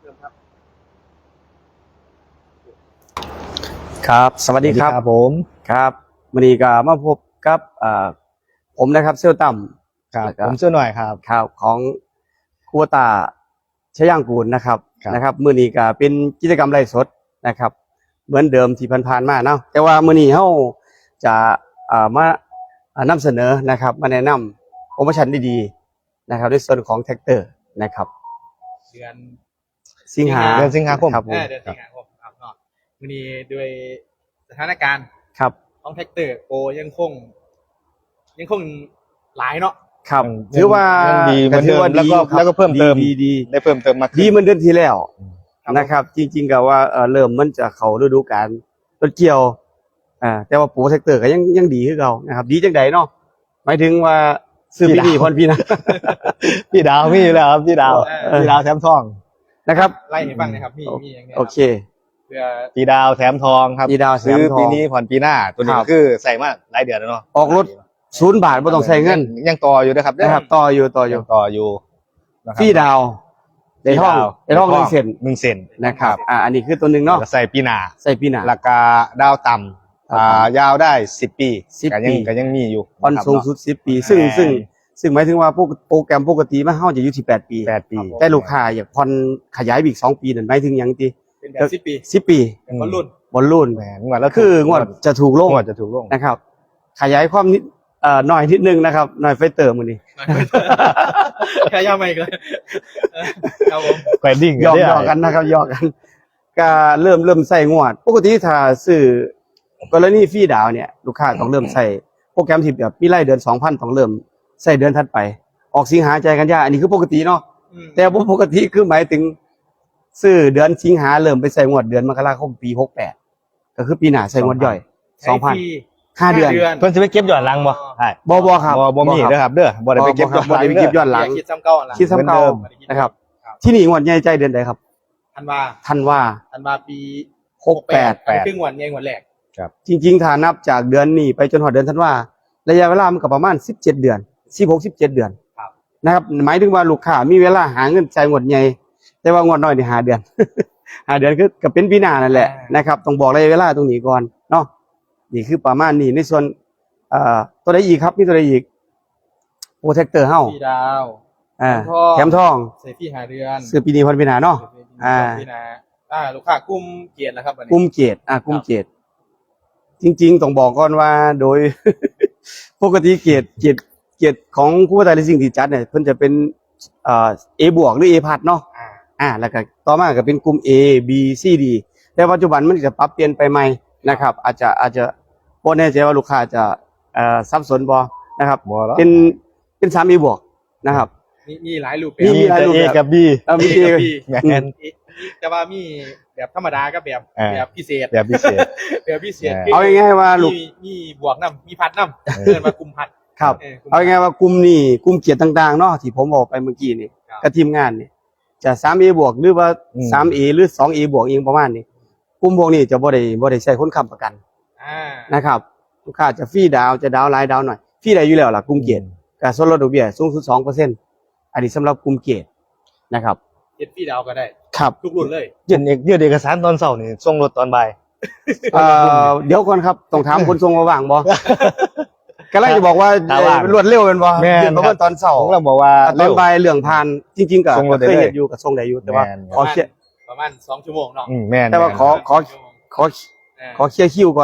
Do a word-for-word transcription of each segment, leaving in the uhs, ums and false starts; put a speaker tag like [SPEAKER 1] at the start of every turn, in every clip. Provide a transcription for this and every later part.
[SPEAKER 1] ครับสวัสดีครับ
[SPEAKER 2] ผม
[SPEAKER 1] ครับวันนี้ก็มาพบกับอ่าผมนะครับเซลต่ำ
[SPEAKER 2] ครับผมเชื่อหน่อยครับ
[SPEAKER 1] ข่าวของครัวตาชย่างกูลนะครับ
[SPEAKER 2] ครับ
[SPEAKER 1] นะครับมื้อนี้ก็เป็นกิจกรรมไลฟ์สดนะครับ เหมือนเดิมที่ผ่านๆมาเนาะแต่ว่ามื้อนี้เฮาจะอ่ามานำเสนอนะครับมาแนะนำโปรโมชั่นดีๆนะครับในส่วนของแท็กเตอร์นะครับ
[SPEAKER 3] เดือน
[SPEAKER 1] สิงหา
[SPEAKER 2] เดือนสิงหาคม
[SPEAKER 1] ครับผ
[SPEAKER 3] เอ
[SPEAKER 1] ม
[SPEAKER 3] อเดือนสิงหาคมครับเนาะวันนี้ด้วยสถานการณ์
[SPEAKER 1] ครับ
[SPEAKER 3] ของแท็กเตอร์โปรยังคง ยังคงหลายเนาะ
[SPEAKER 1] ครับ
[SPEAKER 2] ยัง
[SPEAKER 1] ถือว่า
[SPEAKER 2] ยังดีเหมือนเดิม
[SPEAKER 1] ถืว่า
[SPEAKER 2] แล้วก็
[SPEAKER 1] ครับ
[SPEAKER 2] แล้วก็เพิ่มเติม
[SPEAKER 1] ดีดี
[SPEAKER 2] ได้เพิ่มเติมมาก
[SPEAKER 1] ดีเหมือนเดือนที่แล้ว
[SPEAKER 3] ครับ
[SPEAKER 1] นะครับ จริงๆก็ว่าเอ่อเริ่มมันจะเข้าฤดูกาลรถเกี่ยวอ่าแต่ว่าโปรเซกเตอร์ก็ยังยังดีคือเก่านะครับ ดีจังไดเนาะหมายถึงว่าซื้อปีนี้พรปีหนะ
[SPEAKER 2] พี่ดาวมีอยู่แล้วครับพี่ดาว
[SPEAKER 1] เออ
[SPEAKER 2] พี่ดาวแถมทอง
[SPEAKER 1] นะครับ
[SPEAKER 3] ไล่ให้ฟังนะครับมีมีอย่างเงี้ย
[SPEAKER 1] โอเค
[SPEAKER 3] เพื่อ
[SPEAKER 2] พี่ดาวแถมทองครับ
[SPEAKER 1] พี่ดาวแถมทอง
[SPEAKER 2] ซื้อปีนี้ผ่อนปีหน้าตัวนี้
[SPEAKER 1] ครับ
[SPEAKER 2] คือใส่มาหลายเดือนแล้วเนาะ
[SPEAKER 1] ออกรถศูนย์บาทบ่ต้องใช้เงิน
[SPEAKER 2] ยังยังต่ออยู่นะครับ
[SPEAKER 1] นะครับ ต่ออยู่ต่ออยู่
[SPEAKER 2] ยังต่ออยู่นะค
[SPEAKER 1] ฟรี
[SPEAKER 2] รับ
[SPEAKER 1] ดาวได้ท่องได้ท่องหนึ่งเซน
[SPEAKER 2] หนึ่งเซน
[SPEAKER 1] นะครับอ่าอันนี้คือตัวหนึ่งเนาะ
[SPEAKER 2] แล้วก็ใส่ปีหน้า
[SPEAKER 1] ใส่ปีหน้า
[SPEAKER 2] ราคาดาวต่ำอ่ายาวได้สิบปี
[SPEAKER 1] สิบ
[SPEAKER 2] ก็ยัง
[SPEAKER 1] ปี
[SPEAKER 2] ก็ยังมีอยู่
[SPEAKER 1] ผ่อน
[SPEAKER 2] นะครับ
[SPEAKER 1] สูงสุดสิบปี ซึ่ง
[SPEAKER 2] แม่น
[SPEAKER 1] ซึ่งซึ่งหมายถึงว่าพวกโปรแกรมปกติมันเฮาจะอยู่ที่แปดปี
[SPEAKER 2] แปดปี
[SPEAKER 1] แต่ลูกค้าอยากผ่อนขยายไปอีกสองปีนั่นหมายถึงหยังติ
[SPEAKER 3] เป็นแบบสิบปี
[SPEAKER 1] สิบปี
[SPEAKER 3] เป็นบอลลุ่น
[SPEAKER 1] บอลลูน
[SPEAKER 2] แหมงวดแล้ว
[SPEAKER 1] คืองวดจะถูกลง
[SPEAKER 2] งวดจะถูกลง
[SPEAKER 1] นะครับ ขยายความนิดเอ่อหน่อยนิดนึงนะครับหน่อยไฟเติมมื้อนี้
[SPEAKER 3] แค่ย่าไม่เลยเออครับผม
[SPEAKER 2] แควดดิ้ง
[SPEAKER 1] หยอก
[SPEAKER 2] ได้
[SPEAKER 1] หยอกกันนะครับหยอกกันก็เริ่มเริ่มใส่งวด ปกติถ้าซื้อกรณีฟรีดาวน์เนี่ย ลูกค้าต้องเริ่มใส่โปรแกรมที่แบบมีรายเดือน สองพัน ต้องเริ่มใส่เดือนถัดไป ออกสิงหาใจายกันยาอันนี้คือปกติเนาะ
[SPEAKER 3] อืม
[SPEAKER 1] แต่บ่ปกติคือหมายถึงซื้อเดือนสิงหาเริ่มไปใส่งวดเดือนมกราคมปีหกแปดก็คือปีหน้าใส่งวดย่อย
[SPEAKER 3] ใช้ฟรี
[SPEAKER 1] ห้าเดือน
[SPEAKER 2] เพิ่นสิไปเก็บย้อนหลังบ่ใช่
[SPEAKER 1] บ่บ่ครับ
[SPEAKER 2] บ่บ่มี
[SPEAKER 1] ครับ
[SPEAKER 2] เด้อครับเด้อบ่ได้ไปเก็บย้อนห
[SPEAKER 1] บ่
[SPEAKER 2] ลัง
[SPEAKER 1] ได้ไปเก็บย้อนหลัง
[SPEAKER 3] อย่าคิดซ้ำเก่าหลัง
[SPEAKER 1] คิดซ้ำเก่า
[SPEAKER 2] เหมือนเดิม
[SPEAKER 1] นะครับ
[SPEAKER 3] ครับ
[SPEAKER 1] ที่นี่งวดใหญ่ใจเดือนใดครับ
[SPEAKER 3] ธันวา
[SPEAKER 1] ธันวา
[SPEAKER 3] ธันวาปี
[SPEAKER 1] หกแปด
[SPEAKER 3] อันนี้คืองวดใหญ่งวดแรก
[SPEAKER 1] จริงๆถ้านับจากเดือนนี้ไปจนถึงเดือนธันวาระยะเวลามันก็ประมาณสิบเจ็ดเดือนสิบหก สิบเจ็ดเดือน
[SPEAKER 3] ครับ
[SPEAKER 1] นะครับหมายถึงว่าลูกค้ามีเวลาหาเงินจ่ายงวดใหญ่แต่ว่างวดน้อยนี่หาเดือน หาเดือนคือก็เป็นปีหน้านั่นแหละนะครับต้องบอกระยะเวลาตรงนี้ก่อนเนาะนี่คือประมาณนี้ในส่วนเอ่อตัวใดอีกครับมีตัวใดอีกโปรเทคเตอร์เฮา
[SPEAKER 3] ฟรีดาว
[SPEAKER 1] อ่า
[SPEAKER 3] แถมทอง
[SPEAKER 1] แถมทอง
[SPEAKER 3] ใส่ฟรีหาเดือน
[SPEAKER 1] ซื้อปีนี้พันปีหน้าเนาะ อ่า
[SPEAKER 3] พี่นะอ่าลูกค้ากลุ่มเกียรติแล้วครับวันนี้
[SPEAKER 1] กุมเกียรติอ่ะกุมเกียรติจริง ๆ ต้องบอกก่อนว่าโดย ปกติเกียรติเกียรติเกียรติของผู้ประกอบการสิ่งที่จัดเนี่ยเพิ่นจะเป็นเอ่อ A บวกหรือ A พัดเนาะ
[SPEAKER 3] อ่า
[SPEAKER 1] อ่าแล้วก็ต่อมาก็เป็นกลุ่ม A B C D แต่ปัจจุบันมันจะปรับเปลี่ยนไปใหม่นะครับ อาจจะอาจจะบ่แน่ใจว่าลูกค้าจะเอ่อสับสนบ่นะครับ
[SPEAKER 2] บ่แล้ว
[SPEAKER 1] เป็นเป็น สาม A บวกนะครับ
[SPEAKER 3] มีมีหลายรูปแบบ
[SPEAKER 1] มี
[SPEAKER 2] มี
[SPEAKER 1] หลาย
[SPEAKER 2] แต่
[SPEAKER 1] รูป
[SPEAKER 2] A
[SPEAKER 1] แบบ
[SPEAKER 2] กับ B
[SPEAKER 1] เอ่อมี
[SPEAKER 3] มี
[SPEAKER 1] A
[SPEAKER 3] กับ B
[SPEAKER 2] แม่น
[SPEAKER 3] มีแต่ว่ามีแบบธรรมดากับแบบ
[SPEAKER 2] อ่า
[SPEAKER 3] แบบพิเศษ
[SPEAKER 2] แบบพิเศษ
[SPEAKER 3] แบบพิเศษ
[SPEAKER 2] อ่า
[SPEAKER 1] เอาง่ายๆว่าลูก
[SPEAKER 3] มีมีบวกน้ำมีพัดน้ำเกินมากลุ่มพัด
[SPEAKER 1] ครับ
[SPEAKER 3] เออกลุ่ม
[SPEAKER 1] เอาง่ายๆว่ากลุ่มนี้กลุ่มเกียรติต่างๆเนาะที่ผมบอกไปเมื่อกี้นี่
[SPEAKER 3] ครับ
[SPEAKER 1] กับทีมงานนี่จะ สาม เอ บวกหรือว่า
[SPEAKER 2] อืม
[SPEAKER 1] สาม เอ หรือ สอง เอ บวกเองประมาณนี้กลุ่มพวกนี้จะบ่ได้บ่ได้ใช้คนค้ำประกัน
[SPEAKER 3] อ่า
[SPEAKER 1] นะครับลูกค้าจะฟรีดาวน์จะดาวน์หลายดาวน์หน่อยฟรีได้อยู่แล้วล่ะกลุ่มเกียรติก็ส่วนลดดอกเบี้ยสูงสุด สองเปอร์เซ็นต์ อันนี้สำหรับกลุ่มเกียรตินะครับ
[SPEAKER 3] เจ็ดพี่ดาวก็ได้
[SPEAKER 1] ครับ
[SPEAKER 3] ทุกรุ่นเลย
[SPEAKER 2] ยื่นเอกยื่นเอกสารตอนเช้านี่ส่งรถตอนบ่าย
[SPEAKER 1] เอ่อเดี๋ยวก่อนครับต้องถามคนทรงว่าว่างบ่ก็เลยจะบอกว่า
[SPEAKER 2] ถ้าว่าง
[SPEAKER 1] รวดเร็วเป็นบ่
[SPEAKER 2] แม่น
[SPEAKER 1] เดือนประมาณตอนเช้า
[SPEAKER 2] ผมก็บอกว่า
[SPEAKER 1] ตอ
[SPEAKER 2] เร็
[SPEAKER 1] น
[SPEAKER 2] ว
[SPEAKER 1] บ่ายเรื่องผ่านจริงๆก็
[SPEAKER 2] ส่งรถได้
[SPEAKER 1] เคย
[SPEAKER 2] เลย
[SPEAKER 1] เฮ็ดอยู่กับทรงได้อยู่แต่ว่า
[SPEAKER 2] แม่น
[SPEAKER 1] ขอเคลียร์
[SPEAKER 3] ประมาณสองชั่วโมงเนาะ
[SPEAKER 2] อืมแม่น
[SPEAKER 1] แต่ว่า
[SPEAKER 2] ม่น
[SPEAKER 1] ขอขอ
[SPEAKER 3] ชั่วโมง
[SPEAKER 1] ขอ
[SPEAKER 3] อ่า
[SPEAKER 1] ขอเคลียร์คิวก่อน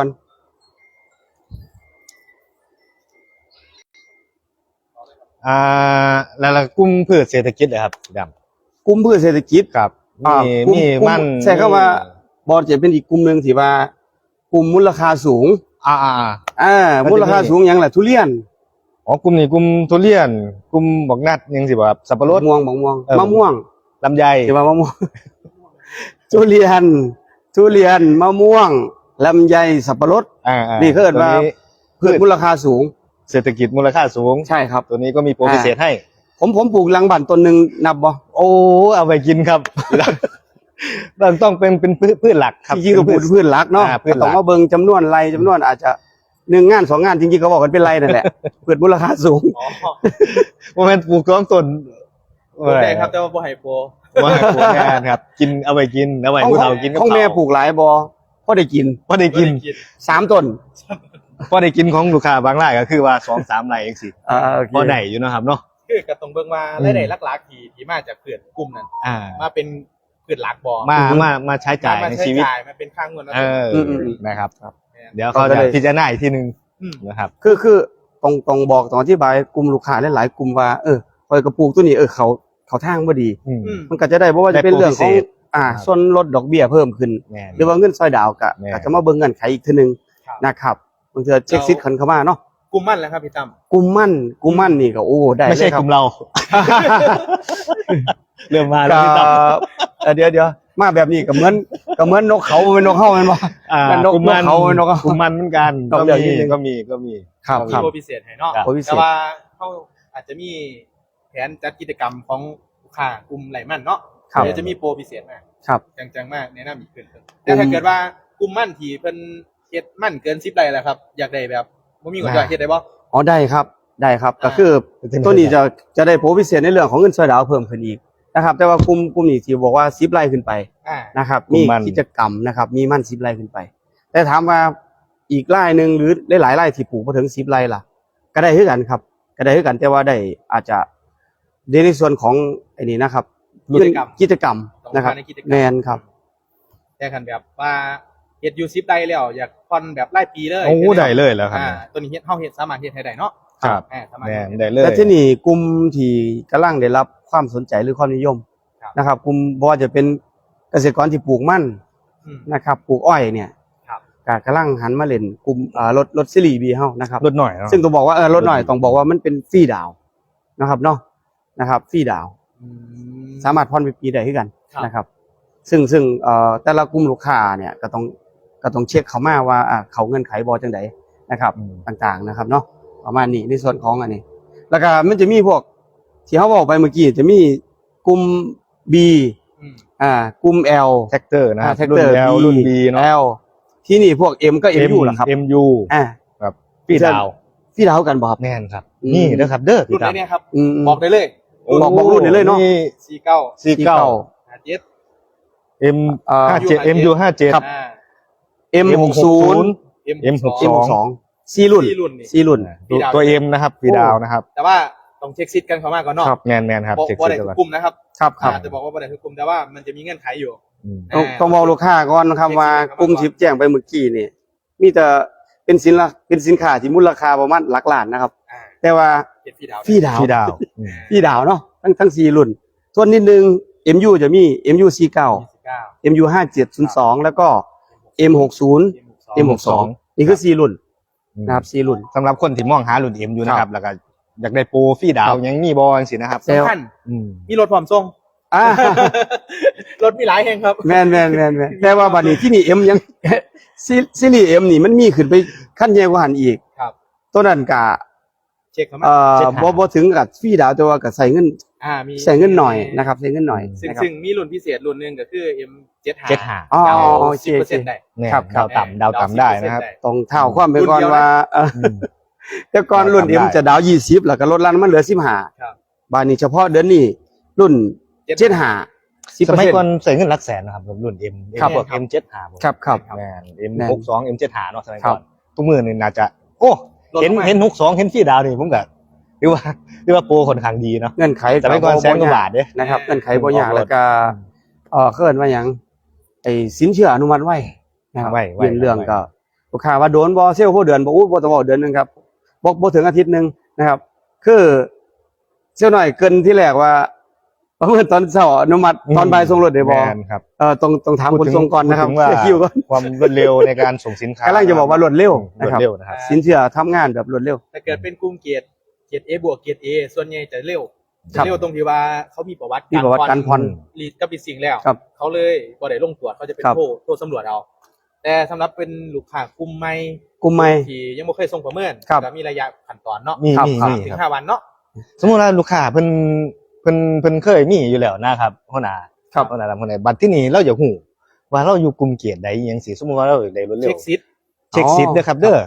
[SPEAKER 2] อ่าแล้วแล้วกลุ่มพืชเศรษฐกิจเหรอครับสีดำ
[SPEAKER 1] กลุ่มพืชเศรษฐกิจ
[SPEAKER 2] ครับ
[SPEAKER 1] อ่า
[SPEAKER 2] มี
[SPEAKER 1] กลุ่
[SPEAKER 2] มี
[SPEAKER 1] กลุ่
[SPEAKER 2] มัน
[SPEAKER 1] ใช่ครับว่าบอลจะเป็นอีกกลุ่มหนึ่งที่ว่ากลุ่มมูลค่าสูง
[SPEAKER 2] อ่าอ่าอ่า
[SPEAKER 1] อ่า
[SPEAKER 2] มันจะมี
[SPEAKER 1] มูลค่าสูงอย่างแหละทุเรียน
[SPEAKER 2] อ๋อกลุ่มนี้กลุ่มทุเรียนกลุ่มบักนัดยังสิบ่ครับสับปะรด
[SPEAKER 1] ม่วงบางม่วง
[SPEAKER 2] เออ
[SPEAKER 1] มะม่วง
[SPEAKER 2] ลำไย
[SPEAKER 1] ที่ว่ามะม่วง ทุเรียน ทุเรียนมะม่วงลำไยสับปะรด
[SPEAKER 2] อ่าอ่า
[SPEAKER 1] นี่เขาเรียกว่า
[SPEAKER 2] ตัวนี้
[SPEAKER 1] พืชมูลค่าสูง
[SPEAKER 2] เศรษฐกิจมูลค่าสูง
[SPEAKER 1] ใช่ครับ
[SPEAKER 2] ตัวนี้ก็มีโปรพิเศษให้
[SPEAKER 1] ผมผมปลูกลังบันต้นหนึ่งนับบ่
[SPEAKER 2] โอ้เอาไปกินครับ มันต้องเป็นเป็นพืชพืชหลักครับ
[SPEAKER 1] จริงๆก็ปลูกพืชหลักเนาะ
[SPEAKER 2] อ่าพืชหลัก
[SPEAKER 1] ต้องมาเบิ่งจำนวนไรจำนวนอาจจะหนึ่งงานสองงานจริงๆเขาบอกกันเป็นไรนั่นแหละ พืชมูลค่าสูง
[SPEAKER 3] อ๋อ
[SPEAKER 2] โมเมนต์ปลูกสองต้น
[SPEAKER 3] ปลูกได้ครับแต่ว่าบ่ให้โปร
[SPEAKER 2] ว่าปลูกงานครับ กินเอาไปกินเอาไปผู้เฒ่ากินกับ
[SPEAKER 1] ของ
[SPEAKER 2] ข้าว
[SPEAKER 1] แม่ปลูกหลายบ่พอได้กิน
[SPEAKER 2] พอได้กิน
[SPEAKER 1] สามต้น
[SPEAKER 2] พอได้กินของลูกค้าบางรายก็คือว่าสองสามรายเองสิ
[SPEAKER 1] อ่าโอเค
[SPEAKER 2] พอได้อยู่เนาะครับเนาะ
[SPEAKER 3] คือก็ต้องเบิ่งว่า
[SPEAKER 2] อืม
[SPEAKER 3] รายได้หลักๆที่ที่มาจากเพื่อนกลุ่มนั้น
[SPEAKER 2] อ่า
[SPEAKER 3] มาเป็นเพื่อนหลักบ่
[SPEAKER 2] มามามาใช้จ่าย
[SPEAKER 3] มา
[SPEAKER 2] ใน
[SPEAKER 3] ใช้
[SPEAKER 2] ชีวิต
[SPEAKER 3] จ่ายมาเป็นค่าเงิน
[SPEAKER 2] เออ
[SPEAKER 1] อืมอืม
[SPEAKER 2] นะครับ
[SPEAKER 3] แม่น
[SPEAKER 2] เดี๋ยวเขาจะพิจารณาอีกทีหนึง
[SPEAKER 3] อืม
[SPEAKER 2] นะครับ
[SPEAKER 1] คือคือต้องต้องบอกต้องอธิบายกลุ่มลูกค้าหลายๆกลุ่มว่าเออคอยกระปลูกตัวนี้เออเขาเขาทางบ่ดี
[SPEAKER 2] อืม
[SPEAKER 3] อืม
[SPEAKER 1] มันก็จะได้บ่ว่าจะเป็นเรื่องของ
[SPEAKER 2] ได้โปรพิเศษ
[SPEAKER 1] อ่า
[SPEAKER 2] ครับ
[SPEAKER 1] ส่วนลดดอกเบี้ยเพิ่มขึ้น
[SPEAKER 2] แม่น
[SPEAKER 1] หรือว่าเงินซอยดาวก็
[SPEAKER 2] แม่
[SPEAKER 1] อาจจะมาเบิ่งเงื่อนไขอีกทีนึง
[SPEAKER 3] ครับ
[SPEAKER 1] นะครับบางเทื่อเช็คซิทธิ์คันเข้ามาเนาะ
[SPEAKER 3] กลุ่มมั่นแล้วครับพี่ตั้ม
[SPEAKER 1] กลุ่มมั่นกลุ่มมั่นนี่ก็โอ้ได้
[SPEAKER 2] ไม่ใช่
[SPEAKER 1] เลยค
[SPEAKER 2] ก
[SPEAKER 1] รับ
[SPEAKER 2] ลุ่มเรา เริ่มมาแล้ว
[SPEAKER 1] ก็
[SPEAKER 2] พี่ตั้ม
[SPEAKER 1] เอ่อเดี๋ยวเดี๋ยวมาแบบนี้ก็เหมือนก็เหมือนนกเขาเป็นนกเฮาแม่นบ่
[SPEAKER 2] อ่า
[SPEAKER 1] มันนก
[SPEAKER 2] กลุ่มมัน
[SPEAKER 1] นกเขานกเขา
[SPEAKER 2] กลุ่มมันเหมือนกัน
[SPEAKER 1] นก
[SPEAKER 2] ก็
[SPEAKER 1] เรื่อง
[SPEAKER 2] มี
[SPEAKER 1] นิดนึง
[SPEAKER 2] ก็มีก็มี
[SPEAKER 1] ครับ
[SPEAKER 3] มี
[SPEAKER 1] ครับ
[SPEAKER 3] โปรพิเศษให้เนาะ
[SPEAKER 2] ครับ
[SPEAKER 1] โปรพิเศษ
[SPEAKER 3] แต่ว่าเขาอาจจะมีแผนจัดกิจกรรมของลูกค้ากลุ่มไหลมั่นเนาะ
[SPEAKER 1] ครับ
[SPEAKER 3] เดี๋ยวจะมีโปรพิเศษมา
[SPEAKER 1] ครับ
[SPEAKER 3] จังๆมากแนะนำอีกขึ้นแต่ถ้าเกิดว่ากลุ่มมั่นที่เพิ่นเฮ็ดมั่นเกินสิบไร่แล้วครับ อยากได้แบบบ่มีเงินจ่ายเฮ็ดได้บ่
[SPEAKER 1] อ๋อได้ครับได้ครับ
[SPEAKER 3] อ่า
[SPEAKER 1] ก็คือตัวนี้จะจะได้โปรพิเศษในเรื่องของเงินซอยดาวเพิ่มขึ้นอีกนะครับ แต่ว่ากลุ่มกลุ่มนี้ที่บอกว่าสิบไร่ขึ้นไป
[SPEAKER 3] อ่า
[SPEAKER 1] นะครับ
[SPEAKER 2] กลุ่
[SPEAKER 1] มี
[SPEAKER 2] มมัน
[SPEAKER 1] กิจกรรมนะครับ มีมั่นสิบไร่ขึ้นไป แต่ถามว่าอีกไร่หนึ่งหรือหลายๆไร่ที่ปลูกมาถึงสิบไร่ล่ะ ก็ได้คือกันครับ ก็ได้คือกันแต่ว่าได้อาจจะในส่วนของไอ้นี่นะครับ
[SPEAKER 3] กิจกรรม
[SPEAKER 1] กิจกรรม
[SPEAKER 3] ต้อง
[SPEAKER 1] นะครับ
[SPEAKER 3] มาในกิจกรรม
[SPEAKER 1] แมนครับ
[SPEAKER 3] แต่คันแบบว่าเฮ็ดอยู่สิบไร่แล้วอยากผ่อนแบบรายปีเลย
[SPEAKER 2] โอ้ได้เลยแล้วครับ
[SPEAKER 3] อ่าตัวนี้เฮ็ดเฮาเฮ็ดสามารถเฮ็ดให้ได้เนาะ
[SPEAKER 2] ครับ
[SPEAKER 3] อ่าสามารถ
[SPEAKER 2] แม่
[SPEAKER 3] เฮ็ด
[SPEAKER 2] น
[SPEAKER 3] ให้
[SPEAKER 2] ได้
[SPEAKER 3] ได้
[SPEAKER 2] เลย
[SPEAKER 1] และที่นี่กลุ่มที่กำลังได้รับความสนใจหรือความนิยม
[SPEAKER 3] ครับ
[SPEAKER 1] นะครับกลุ่มบ่ว่าจะเป็นเกษตรกรที่ปลูกมัน
[SPEAKER 3] อืม
[SPEAKER 1] นะครับปลูกอ้อยเนี่ย
[SPEAKER 3] ครับ
[SPEAKER 1] ก็กำลังหันมาเล่นกลุ่มอ่ารถรถซีรีส์บีเฮานะครับ
[SPEAKER 2] ลดหน่อยเนาะ
[SPEAKER 1] ซึ่งต้องบอกว่าเออรถหน่อยต้องบอกว่ามันเป็นฟรีดาวน์นะครับเนาะนะครับฟรีดาวน์
[SPEAKER 3] อืม
[SPEAKER 1] สามารถผ่อนเป็นปีได้คือกัน
[SPEAKER 3] ครับ
[SPEAKER 1] นะครับ ซึ่งซึ่งเอ่อแต่ละกลุ่มลูกค้าเนี่ยก็ต้องก็ต้องเช็คเขามาว่าอ่าเขาเงื่อนไขบ่จังไดนะครับ
[SPEAKER 2] อืม
[SPEAKER 1] ต่างๆนะครับเนาะประมาณนี้ในส่วนของอันนี้ แล้วก็มันจะมีพวกที่เขาบอกไปเมื่อกี้จะมีกลุ่ม B
[SPEAKER 3] อืม
[SPEAKER 1] อ่ากลุ่ม L
[SPEAKER 2] แท็กเตอร์นะครับ
[SPEAKER 1] แท็ก
[SPEAKER 2] รุ่
[SPEAKER 1] เตอน ร์
[SPEAKER 2] L รุ่น B เนาะ
[SPEAKER 1] L ที่นี่พวก M ก็ M U แหละครับ
[SPEAKER 2] เอ็ม ยู
[SPEAKER 1] อ่า
[SPEAKER 2] ครับพี่ดาว
[SPEAKER 1] พี่ดาวกันบ่ครับ
[SPEAKER 2] แม่นครับ
[SPEAKER 1] อืม
[SPEAKER 2] นี่นะครับเด้อ
[SPEAKER 3] รุ่
[SPEAKER 2] พี่
[SPEAKER 3] นไหน
[SPEAKER 2] ดาว
[SPEAKER 3] เนี่ยครับ
[SPEAKER 1] อืม
[SPEAKER 3] บอกได้เลย
[SPEAKER 1] บอกบอกรุ่นได้เลยเนาะ
[SPEAKER 3] สี่เก้า
[SPEAKER 2] สี่เก้า
[SPEAKER 3] ห้าเจ็ด
[SPEAKER 2] M
[SPEAKER 1] เอ่อ
[SPEAKER 2] ห้าเจ็ด M U ห้าเจ็ด
[SPEAKER 1] ครับ
[SPEAKER 3] อ่า
[SPEAKER 1] M หกสิบ
[SPEAKER 3] M
[SPEAKER 2] M หก
[SPEAKER 1] M
[SPEAKER 2] สอง
[SPEAKER 1] สองสี่รุ่น
[SPEAKER 3] สี่รุ่นนี่
[SPEAKER 1] สี่รุ่น
[SPEAKER 3] พี่ดาว
[SPEAKER 2] ตัว M นะครับพี่ดาวนะครับ
[SPEAKER 3] แต่ว่าต้องเช็คซิทกันเข้ามาก่อนเนาะ
[SPEAKER 2] แมนแมนครับ
[SPEAKER 3] บอก
[SPEAKER 2] เช็ค
[SPEAKER 3] ว่า
[SPEAKER 2] ชื่
[SPEAKER 3] ได้
[SPEAKER 2] อ
[SPEAKER 3] ทุ
[SPEAKER 2] ก่อก น
[SPEAKER 3] กลุ่มนะครับ
[SPEAKER 1] ครับครับ
[SPEAKER 3] อ่าจะบอกว่าบ่ได้ทุกกลุ่มแต่ว่ามันจะมีเงื่อนไขอยู่
[SPEAKER 2] อืม
[SPEAKER 1] ต้องต้องบอกลูกค้าก่อนนะครับว่ากลุ่มที่แจ้งไปเมื่อกี้นี่มีแต่เป็นสินละเป็นสินค้าที่มูลค่าประมาณหลักล้านนะครับ
[SPEAKER 3] อ่า
[SPEAKER 1] แต่ว่า
[SPEAKER 3] เจ็ดพี่ดาว
[SPEAKER 1] ฟรีดาว
[SPEAKER 2] พี่ดาวอืม
[SPEAKER 1] พี่ดาวเนาะทั้งทั้งสี่รุ่น ส่วนนิดนึง เอ็ม ยู จะมี เอ็ม ยู สี่สิบเก้า
[SPEAKER 3] ยี่สิบเก้า
[SPEAKER 1] เอ็ม ยู ห้าเจ็ดศูนย์สอง แล้วก็ เอ็ม หกสิบ เอ็ม หกสิบสอง นี่คือสี่รุ่นนะครับสี่รุ่น
[SPEAKER 2] สำหรับคนที่มองหารุ่น M อยู่นะครับแล้วก็อยากได้โปรพี่ดาวยังมีบอลสินะครับ
[SPEAKER 1] เซลล์
[SPEAKER 3] สำคัญ
[SPEAKER 2] อืม
[SPEAKER 3] มีรถพร้อมส่ง
[SPEAKER 1] อ่าร
[SPEAKER 3] ถมีหลายแห่งครับ
[SPEAKER 1] แมนแมนแมนแมนแต่ว่าบัดนี้ที่นี่ M ยัง ซีซีรีส์ M นี่มันมีขึ้นไปขั้นใหญ่กว่าหันอีก
[SPEAKER 3] ครับ
[SPEAKER 1] ตัวนั้นกะ
[SPEAKER 3] เช็คเข้ามา
[SPEAKER 1] เอ่อบ่บ่ถึงกับฟรีดาวแต่ว่าก็ใส่เงิน
[SPEAKER 3] อ่ามี
[SPEAKER 1] ใส่เงินหน่อยนะครับใส่เงินหน่อย
[SPEAKER 3] ซึ่ง
[SPEAKER 1] นะครับ
[SPEAKER 3] ซึ่งมีรุ่นพิเศษรุ่นหนึงก็คือ เอ็ม เจ็ด
[SPEAKER 2] เจ็ดหา
[SPEAKER 1] อ๋อ
[SPEAKER 3] ดาว
[SPEAKER 1] โอเค
[SPEAKER 3] สิบเปอร์เซ็นต์ได้
[SPEAKER 2] เนี่ย
[SPEAKER 1] ครับครับ
[SPEAKER 2] ดาวต่ำดาวต่ำได้นะครับ
[SPEAKER 1] ต้องเท่าความไปก่อน
[SPEAKER 3] รุ่นเดียวนะ
[SPEAKER 1] ว่าเออ
[SPEAKER 2] อืม
[SPEAKER 1] แต่ก่อนรุ่น
[SPEAKER 2] ทำได้
[SPEAKER 1] M จะดาวยี่สิบแล้วก็ลดลั่นมันเหลือสิบห้า
[SPEAKER 3] ครับ
[SPEAKER 1] บาดนี้เฉพาะเดือนนี้รุ่นเจ็ดห้าสิบ
[SPEAKER 2] ส
[SPEAKER 1] เปอร์
[SPEAKER 2] มัย
[SPEAKER 1] เซ็นต์
[SPEAKER 2] ก่อนใส่เงินหลักแสนนะครับรุ่น M
[SPEAKER 1] ครับ
[SPEAKER 2] พวก M เจ็ดหา
[SPEAKER 1] ครับครับ
[SPEAKER 2] แมน M
[SPEAKER 1] แม่น
[SPEAKER 2] หกสอง M เจ็ดหาเนาะสมัย
[SPEAKER 1] ครั
[SPEAKER 2] ก่
[SPEAKER 1] บ
[SPEAKER 2] อนทุกมือนี่น่าจะ โอ้
[SPEAKER 3] ลดลง
[SPEAKER 2] เห็น
[SPEAKER 3] มา
[SPEAKER 2] เห็นหกสองเห็นพี่ดาวนี่ผมก็หรือว่าหรือว่าโปรค่อนข้างดีเนาะ
[SPEAKER 1] เงื่อนไข
[SPEAKER 2] สมัยก่อนแสนกว่าบาทเด้
[SPEAKER 1] นะครับเงื่อนไขบ่ยาก
[SPEAKER 2] ออกรถ
[SPEAKER 1] แล้วก็เอ่อเคลื่อนว่าหยังไอ้สินเชื่ออนุมัติไว้นะครับ
[SPEAKER 2] ไว้ไว้
[SPEAKER 1] ยื่นเรื่อง
[SPEAKER 2] ไว้
[SPEAKER 1] ก็ลูกค้าว่าโดนบ่เซลล์บ่เดือนบ่อู้บ่ต้องบอกเดือนหนึงครับบ่บ่ถึงอาทิตย์หนึงนะครับ คือเซลล์หน่อยเกินที่แรกว่าประเมินตอนเช้าอนุมัติตอนบ่ายส่งรถได้บ่
[SPEAKER 2] แมนครับ
[SPEAKER 1] เอ่อต้องต้องถามคนส่งก่อนนะครับ
[SPEAKER 2] พูดถึงว่า
[SPEAKER 1] เช็คคิวก่อน
[SPEAKER 2] ความรวดเร็วในการส่งสินค้าก
[SPEAKER 1] ำลังจะบอกว่ารวดเร็ว
[SPEAKER 2] ร
[SPEAKER 1] นะ
[SPEAKER 2] วด
[SPEAKER 1] ครับ
[SPEAKER 2] เร็วนะครับ
[SPEAKER 1] สินเชื่อทำงานแบบรวดเร็ว
[SPEAKER 3] ถ้าเกิดเป็นกลุ่มเกียรติเกียรติ A บวกเกียรติ A ส่วนใหญ่จะเร็ว
[SPEAKER 1] ค
[SPEAKER 3] จะ
[SPEAKER 1] รับ
[SPEAKER 3] เร็วตรงที่ว่าเขามีประวัติ
[SPEAKER 1] มีประวัติการผ่อน
[SPEAKER 3] รีดกับปิดสิ่งแล้ว
[SPEAKER 1] ครับ
[SPEAKER 3] เขาเลยบ่ได้ลงตรวจเขาจะเป็น
[SPEAKER 1] ครับ
[SPEAKER 3] โทรโทรสำรวจเอา แต่สำหรับเป็นลูกค้ากลุ่มใหม่
[SPEAKER 1] กลุ่มใหม่
[SPEAKER 3] ที่ยังไม่เคยส่งประเมิน
[SPEAKER 1] ครับ
[SPEAKER 3] ก็มีระยะขั้นตอนเนาะ
[SPEAKER 2] มี
[SPEAKER 1] ครับ
[SPEAKER 2] มี
[SPEAKER 1] ครับ
[SPEAKER 2] มี
[SPEAKER 3] ถึง
[SPEAKER 2] ครับ
[SPEAKER 3] ห้าวันเนาะ
[SPEAKER 2] สมมุติว่าลูกค้าเพิ่นเพิ่นเพิ่นเคยมีอยู่แล้วนะครับหัวหน้า
[SPEAKER 1] ครับ
[SPEAKER 2] หัวหน้าทำคนไหนบัดที่นี่เราอยากฮู้ว่าเราอยู่กลุ่มเกียรติใดอหยังสิสมมุติว่าเราอยากได้รวดเร็
[SPEAKER 3] เช็
[SPEAKER 2] ว
[SPEAKER 3] คซิท
[SPEAKER 2] เช็คสิทธิ์เด้อครับเด้อ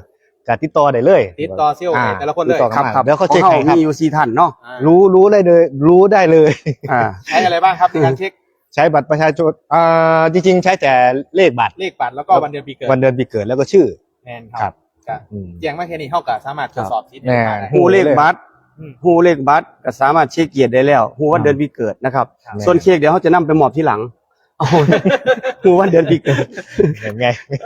[SPEAKER 2] ก็ติดต่อได้เลย
[SPEAKER 3] ติดต่อเซี่ยว
[SPEAKER 2] อ่า
[SPEAKER 3] แต่ละคนเลย
[SPEAKER 2] ติดต่อ
[SPEAKER 1] ครับครับ
[SPEAKER 2] เดี๋ยวเขาเช็ค
[SPEAKER 1] ของ
[SPEAKER 2] ให้ครับ
[SPEAKER 1] มีอยู่สี่ท่านเนาะ
[SPEAKER 3] อ่า
[SPEAKER 2] รู้รู้ได้เลย รู้ได้เลย
[SPEAKER 1] อ่า
[SPEAKER 3] ใช้อะไรบ้างครับในการเช็ค
[SPEAKER 2] ใช้บัตรประชาชนอ่าจริงๆ ใช้แต่เลขบัตร
[SPEAKER 3] เลขบัตรแล้วก็วันเดือนปีเกิด
[SPEAKER 2] วันเดือนปีเกิดแล้วก็ชื่อ
[SPEAKER 3] แมนค
[SPEAKER 2] ครั
[SPEAKER 3] รับบ ก็
[SPEAKER 2] อืม
[SPEAKER 3] แจ้งมาแค่นี้เท่ากับสามารถตรวจสอบสิทธิ์
[SPEAKER 2] แน่
[SPEAKER 3] ได้
[SPEAKER 1] ผู้เลขบัตร
[SPEAKER 3] อืม
[SPEAKER 1] ผู้เลขบัตรก็สามารถเช็คเกียรติได้แล้วผู้วันเดือนปีเกิดนะครับ
[SPEAKER 3] ครับ
[SPEAKER 1] ส่วนเค้กเดี๋ยวเขาจะนำไปมอบที่หลังเอาผู้วันเดือนปีเกิด
[SPEAKER 2] เห็นไง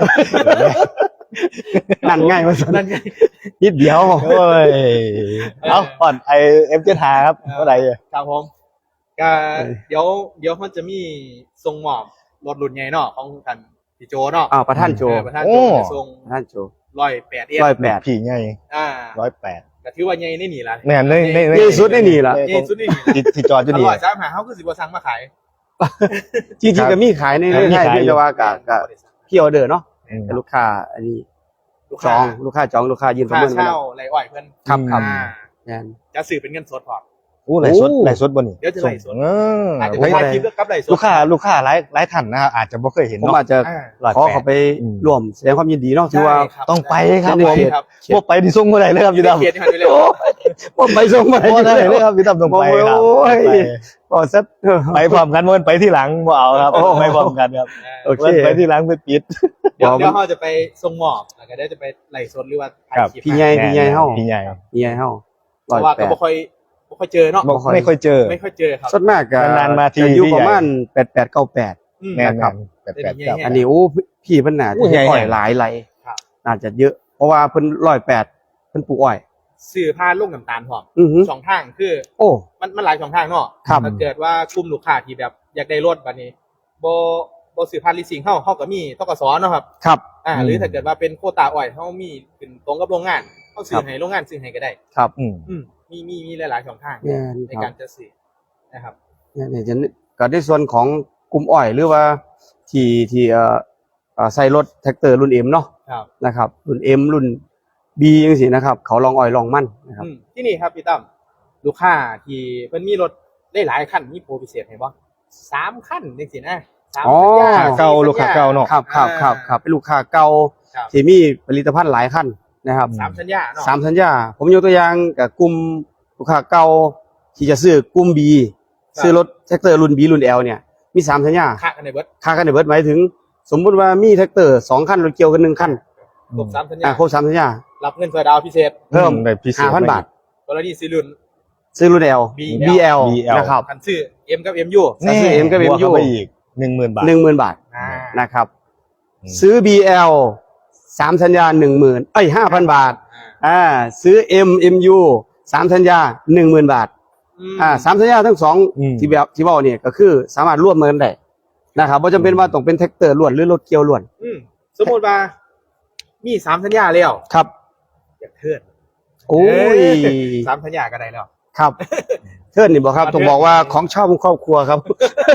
[SPEAKER 1] นั่นง่ายมาสัน
[SPEAKER 3] นั่นไง
[SPEAKER 1] นิดเดียว
[SPEAKER 2] โอ้ยเอาอ่อนไอเอ็มเจทาครับเท่าไหร่อ่ะ
[SPEAKER 3] ครับผมก็เดี๋ยวเดี๋ยวมันจะมีทรงหมอบรถรุ่นใหญ่เนาะของท่านพี่โจเนาะ
[SPEAKER 1] อ้าวประท่านโจ
[SPEAKER 3] เออประธานโจจะทรง
[SPEAKER 1] ประท่านโจ
[SPEAKER 3] ร้อยแปดเอ็ด
[SPEAKER 1] ร้อยแปด
[SPEAKER 2] ผีไง
[SPEAKER 3] อ่า
[SPEAKER 2] ร้อยแปด
[SPEAKER 3] ก็ถือว่าใหญ่ในนี่ละ
[SPEAKER 2] แม่นในใน
[SPEAKER 1] ใหญ่สุดในนี่ล่ะ
[SPEAKER 3] ใหญ่สุดในนี่
[SPEAKER 2] ที่ที่จอดอยู่
[SPEAKER 3] อ
[SPEAKER 2] นี่
[SPEAKER 3] ร่อยจ้าหาเขาคือสิบวัสั่งมาขาย
[SPEAKER 1] จริงๆก็มีขายใน
[SPEAKER 2] ครับ
[SPEAKER 1] ในไทย
[SPEAKER 2] มีขาย
[SPEAKER 1] เพียงแต่ว่ากับกับพี่ออเดอร์เนาะ
[SPEAKER 2] อืม
[SPEAKER 1] แต่ลูกค้าอันนี้
[SPEAKER 3] ลูก
[SPEAKER 1] จ
[SPEAKER 3] ค้า
[SPEAKER 1] องลูกค้าจองลูกค้ายืนประ
[SPEAKER 3] ค่า
[SPEAKER 1] เมินไว้
[SPEAKER 3] เช่า
[SPEAKER 1] แล้ว
[SPEAKER 3] ไรอ้อยเพื่อน
[SPEAKER 1] ครับครับ
[SPEAKER 3] อ่า
[SPEAKER 1] นั่น
[SPEAKER 3] จะสื่อเป็นเงินสดพอ
[SPEAKER 2] อู้ไหลฟ์สด
[SPEAKER 1] โอ้
[SPEAKER 2] ไหลฟ์สดบนนี่
[SPEAKER 3] เดี๋ยวจะไลฟ์สด
[SPEAKER 2] เออ
[SPEAKER 3] อาจจะ
[SPEAKER 1] ผม
[SPEAKER 3] เป็น
[SPEAKER 1] ว่า
[SPEAKER 3] ถ่ายคลิปแล้วกับไรสด
[SPEAKER 2] ลูกค้าลูกค้าหลายหลายท่านนะครับอาจจะไม่เคยเห็น
[SPEAKER 1] ผม
[SPEAKER 2] เนาะ
[SPEAKER 1] อาจจะ
[SPEAKER 3] อ่า
[SPEAKER 2] ร้อย
[SPEAKER 1] ขอ
[SPEAKER 2] แปด
[SPEAKER 1] เขาไป
[SPEAKER 2] อืม
[SPEAKER 1] ร่วมแสดงความยินดีเนาะถือว่า
[SPEAKER 3] ใช่ครับ
[SPEAKER 2] ต้องไปครับ
[SPEAKER 1] ใน
[SPEAKER 2] ผม
[SPEAKER 1] เขต
[SPEAKER 3] ครับ
[SPEAKER 2] พวกไปที่ส่งเมื่อไหร่เลยครับ
[SPEAKER 3] อยู่
[SPEAKER 2] พี่
[SPEAKER 3] ใน
[SPEAKER 2] ดำ
[SPEAKER 3] เขตที่มันอยู่แล้ว
[SPEAKER 1] ผมไปส่งมา
[SPEAKER 2] พอได้เลยครับพี่ดำต้องไปครับ
[SPEAKER 1] โอ้ย
[SPEAKER 2] ไป
[SPEAKER 1] ก็สักเออ
[SPEAKER 2] ไปพร้อมกันมันไปที่หลังบ่เอาครับ
[SPEAKER 1] โอ้
[SPEAKER 2] ไปพร้อมกันครับ
[SPEAKER 1] โอเค
[SPEAKER 2] มันไปที่หลังไปปิด
[SPEAKER 3] เดี๋ยว
[SPEAKER 1] บอก
[SPEAKER 3] เดี๋ยวเขาจะไปทรงหมอบแล้วก็เดี๋ยวจะไปไล่สดหรือว่าถ่าย
[SPEAKER 2] ครับ
[SPEAKER 3] คลิป
[SPEAKER 1] พี่ใหญ่พี่ใหญ่เฮา
[SPEAKER 2] พี่ใหญ่
[SPEAKER 1] พี่ใหญ่เฮา
[SPEAKER 3] เพ
[SPEAKER 1] ร้อย
[SPEAKER 3] ราะว่า
[SPEAKER 1] แป
[SPEAKER 3] ก็
[SPEAKER 1] ด
[SPEAKER 3] บ่ค่อยบ่ค่อยเจอเนาะ
[SPEAKER 2] บอกไม่ค่อยเจอ
[SPEAKER 3] ไม่ค่อยเจอครับ
[SPEAKER 1] ส่วนมากก็
[SPEAKER 2] นานๆมาที
[SPEAKER 1] จะอยู่
[SPEAKER 2] พี่ใหญ่
[SPEAKER 1] ประมาณแปดแปดเก้าแปด
[SPEAKER 3] อืม
[SPEAKER 2] แน่น
[SPEAKER 1] นะครับ
[SPEAKER 2] แปดแปด
[SPEAKER 3] เป็น
[SPEAKER 2] เก้า
[SPEAKER 3] อย่างเงี้ย
[SPEAKER 1] อันนี้โอ้พี่เพิ่นน่า
[SPEAKER 2] โอ้
[SPEAKER 1] จะ
[SPEAKER 2] ใหญ่
[SPEAKER 1] อ้อย
[SPEAKER 2] ๆ
[SPEAKER 1] หลายไหล
[SPEAKER 3] ครับ
[SPEAKER 1] น่าจะเยอะ เพราะว่าเพิ่นร้อยแปดเพิ่นปลูกอ้อย
[SPEAKER 3] สื่อพาลูกน้ำตาลพร้อม
[SPEAKER 1] อือหือ
[SPEAKER 3] สองทางคือ
[SPEAKER 1] โอ้
[SPEAKER 3] มันมันหลายสองทางเนาะ
[SPEAKER 1] ครับ
[SPEAKER 3] ถ้าเกิดว่ากลุ่มลูกค้าที่แบบอยากได้รถบัดนี้บ่บ่สื่อพานลีสซิ่งเฮาเฮาก็มีธกสเนาะครับ
[SPEAKER 1] ครับ
[SPEAKER 3] อ่า
[SPEAKER 2] อืม
[SPEAKER 3] หรือถ้าเกิดว่าเป็นโควตาอ้อยเฮามีเป็นตรงกับโรงงานเฮาซื้
[SPEAKER 1] ครั
[SPEAKER 3] อบ ให้โรงงานซื้อให้ก็ได้
[SPEAKER 1] ครับ
[SPEAKER 2] อืม
[SPEAKER 3] อืมมีมีมีหลายๆช่องทาง
[SPEAKER 1] แม่น
[SPEAKER 3] ใน
[SPEAKER 1] ค
[SPEAKER 3] กา
[SPEAKER 1] รับ
[SPEAKER 3] รจะซื้อนะครับ
[SPEAKER 1] เนี่ยเนี่ยจะก็ในส่วนของกลุ่มอ้อยหรือว่าที่ที่เอ่อเอ่อใส่รถแท็กเตอร์รุ่น M เนาะ
[SPEAKER 3] ครับ
[SPEAKER 1] นะครับ รุ่น M รุ่น B จังซี่นะครับ เขาลองอ้อยลองมันนะครับ
[SPEAKER 3] อืมที่นี่ครับพี่ตั้มลูกค้าที่เพิ่นมีรถได้หลายคันมีโปรพิเศษให้บ่สามคันจังซี่นะสาม
[SPEAKER 1] อ๋อ
[SPEAKER 3] สัญญ
[SPEAKER 2] เก่าลูกค้าเก่าเนาะ
[SPEAKER 1] ครับครับครับครับเป็นลูกค้าเก่า
[SPEAKER 3] ครับ
[SPEAKER 1] ที่มีผลิตภัณฑ์หลายขั้นนะครับ
[SPEAKER 3] สามสัญญาเนาะ
[SPEAKER 1] สามสัญญา ผมยกตัวอย่างกับกลุ่มลูกค้าเก่าที่จะซื้อกลุ่ม B ซื้อรถแท็กเตอร์รุ่น B รุ่น L เนี่ยมีสามสัญญา
[SPEAKER 3] ค่ากันในเบิด
[SPEAKER 1] ค่ากันในเบิดหมายถึง สมมุติว่ามีแท็กเตอร์สองคันรถเกี่ยวกันหนึ่งคัน
[SPEAKER 3] ครบสามสัญญา
[SPEAKER 1] อ่าครบสามสัญญา
[SPEAKER 3] รับเงินเฟอร์ดาวพิเศษ
[SPEAKER 1] เพิ่ม
[SPEAKER 2] ได้พิเศษ
[SPEAKER 1] ห้าพันบาท
[SPEAKER 3] กรณีซื้อรุ่น
[SPEAKER 1] ซื้อรุ่น L
[SPEAKER 3] B
[SPEAKER 1] B L
[SPEAKER 2] B L
[SPEAKER 1] นะครับ
[SPEAKER 3] คันซื้อ M กับ M U
[SPEAKER 1] ถ้าซื้อ M กับ M
[SPEAKER 2] บว
[SPEAKER 1] อยู่
[SPEAKER 2] เข้าไปอีกหนึ่งหมื่นบาท
[SPEAKER 1] หนึ่งหมื่นบาท
[SPEAKER 3] อ่า
[SPEAKER 1] นะครับ
[SPEAKER 2] อืม
[SPEAKER 1] ซื้อ B L สามสัญญาหนึ่งหมื่นเอ้ยห้าพันบาท
[SPEAKER 3] อ่า
[SPEAKER 1] อ่าซื้อ M M U สามสัญญาหนึ่งหมื่นบาท
[SPEAKER 3] ม
[SPEAKER 1] อ่าสามสัญญาทั้งสอง
[SPEAKER 2] อืม
[SPEAKER 1] ที่แบบที่บอกเนี่ยก็คือสามารถร่วมมือกันได้นะครับบ่จำเป็นว่าต้องเป็นแท็กเตอร์ล้วนหรือรถเกี่ยวล้วน
[SPEAKER 3] อืมสมมติว่ามีสามสัญญาแล้ว
[SPEAKER 1] ครับ
[SPEAKER 3] อยากเทิร์น
[SPEAKER 1] โอ้ย
[SPEAKER 3] เอ้สามสัญญาก็ได้แล้ว
[SPEAKER 1] ครับเทิร์นนี่บอกครับ
[SPEAKER 3] มาเทิ
[SPEAKER 1] ต้
[SPEAKER 3] ร์
[SPEAKER 1] อน งบอกว่าของชอบของครอบครัวครับ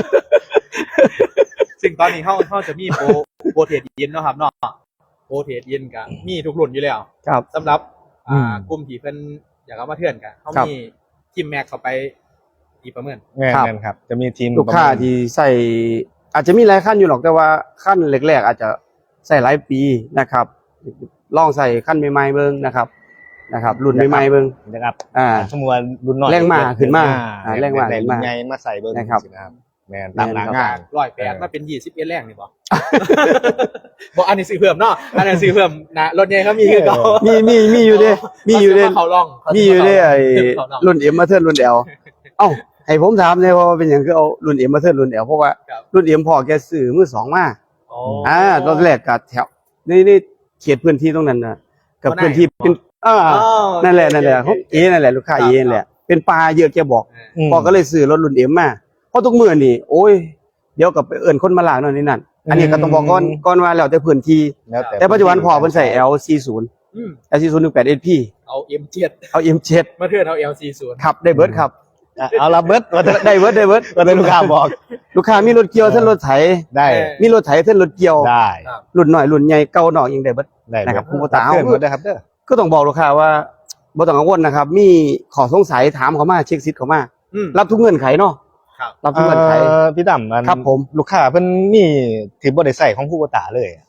[SPEAKER 3] ซึ่งตอนนี้เขาเขาจะมีโปรโปรเทรดเย็นเนาะครับเนาะโปรเทรดเย็นกับมีทุกรุ่นอยู่แล้ว
[SPEAKER 1] ครับ
[SPEAKER 3] สำหรับ
[SPEAKER 2] อื
[SPEAKER 3] อ่าม กลุ่มที่เพิ่นอยากเอามาเทื่อนกันเขา
[SPEAKER 1] ครับ
[SPEAKER 3] มีทีมแม็กเข้าไปอีประเมิน
[SPEAKER 2] แม่น
[SPEAKER 1] ครับ
[SPEAKER 2] แม่นครับ จะมีทีม
[SPEAKER 1] ลูกค้าที่ใส่อาจจะมีหลายขั้นอยู่หรอกแต่ว่าขั้นแรกๆอาจจะใส่หลายปีนะครับลองใส่ขั้นใหม่ๆเบิ่งนะครับนะครับ รุ่นใหม่ๆเบิ่ง
[SPEAKER 2] นะครับ
[SPEAKER 1] อ่า
[SPEAKER 2] สมมุติว่ารุ่นน้อย
[SPEAKER 1] แรงม้าขึ้นมา
[SPEAKER 2] อ่
[SPEAKER 1] อ่าแรงม้า
[SPEAKER 2] ได้
[SPEAKER 1] ขึ้น
[SPEAKER 2] รุ่
[SPEAKER 1] มา
[SPEAKER 2] นใหญ่มาใส่เบิ่ง
[SPEAKER 1] นะครับ
[SPEAKER 2] สินะครับแม่นตามหลังงาน
[SPEAKER 3] ร้อยแปด
[SPEAKER 2] เออ
[SPEAKER 3] มาเป็นยี่สิบเอ็ดแรงนี่บ่ บอกอันนี้ซื้อเพิ่มเนาะอันนี้ซื้อเพิ่มนะรถใหญ่เขามีคือเก่า
[SPEAKER 1] มีมีมีอยู่เด้มีอยู่เด้
[SPEAKER 3] เขาล่อง
[SPEAKER 1] มีอยู่เด้ไอ้
[SPEAKER 3] เขาล่อง
[SPEAKER 1] รุ่น M มาเทิร์นรุ่น L เอ้าให้ผมถามเลยว่าเป็นหยังคือเอารุ่น M มาเทิร์นรุ่น L เพราะว่า
[SPEAKER 3] ครับ
[SPEAKER 1] รุ่น M พอแกซื้อมือสองมา
[SPEAKER 3] อ๋อ
[SPEAKER 1] อ่าตอนแรกก็แถวนี่นี่เขตพื้นที่ตรงนั้นนะกับ
[SPEAKER 3] ก็ได้
[SPEAKER 1] พื้นที่เป็นอ่า
[SPEAKER 3] อ๋อ
[SPEAKER 1] นั่นแหละนั่นแหละเขาเอนั่นแหละลูกค้าเอนั่นแหละเป็นปลาเยอะแกบอก
[SPEAKER 2] อืม
[SPEAKER 1] พอก็เลยซื้อรถรุ่น M มาเพราะทุกมื้อนี่โอ้ยเดี๋ยวกับไปเอิ้นคนมาล้างนั่นนี่นั่นอันนี้ก็ต้องบอกก่อนก่อนว่าแล้วแต่พื้นที่
[SPEAKER 2] แล้ว
[SPEAKER 1] แต่ปัจจุบันพอเพิ่นใส่ L สี่สิบ
[SPEAKER 3] อืม
[SPEAKER 1] L สี่สิบหนึ่งแปด เอส พี
[SPEAKER 3] เอา เอ็ม เจ็ด
[SPEAKER 1] เอา M เจ็ด
[SPEAKER 3] มาเทื่อนเอา แอล สี่สิบ
[SPEAKER 1] ครับได้เบิดครับ
[SPEAKER 2] อ่ะเอาละเบิดว่าจะ
[SPEAKER 1] ได้เบิดได้เบิด
[SPEAKER 2] ว่าจะลูกค้าบอก
[SPEAKER 1] ลูกค้ามีรถเกี่ยวเท่านรถไถ
[SPEAKER 2] ได้
[SPEAKER 1] มีรถไถเท่านรถเกี่ยว
[SPEAKER 2] ได้
[SPEAKER 1] รุ่นน้อยรุ่นใหญ่เก่าหน่อยยังได้เบิด
[SPEAKER 2] ได้
[SPEAKER 1] นะครับ
[SPEAKER 2] เบิด
[SPEAKER 1] ผู้ประตา
[SPEAKER 2] เพื่อนหมดได้ครับเด้อ
[SPEAKER 1] ก็ต้องบอกลูกค้าว่าบ่ต้องกังวลนะครับ มีขอสงสัยถามเขามาเช็คซิทธิ์เขามา
[SPEAKER 3] อืม
[SPEAKER 1] รับทุกเงื่อนไขเนาะ
[SPEAKER 3] ครับ
[SPEAKER 1] รับทุกเงื่อนไข
[SPEAKER 2] เอ่อพี่ดำมัน
[SPEAKER 1] ครับผม
[SPEAKER 2] ลูกค้าเพิ่นมีถือบ่ได้ใส่ของผู้ประตาเลย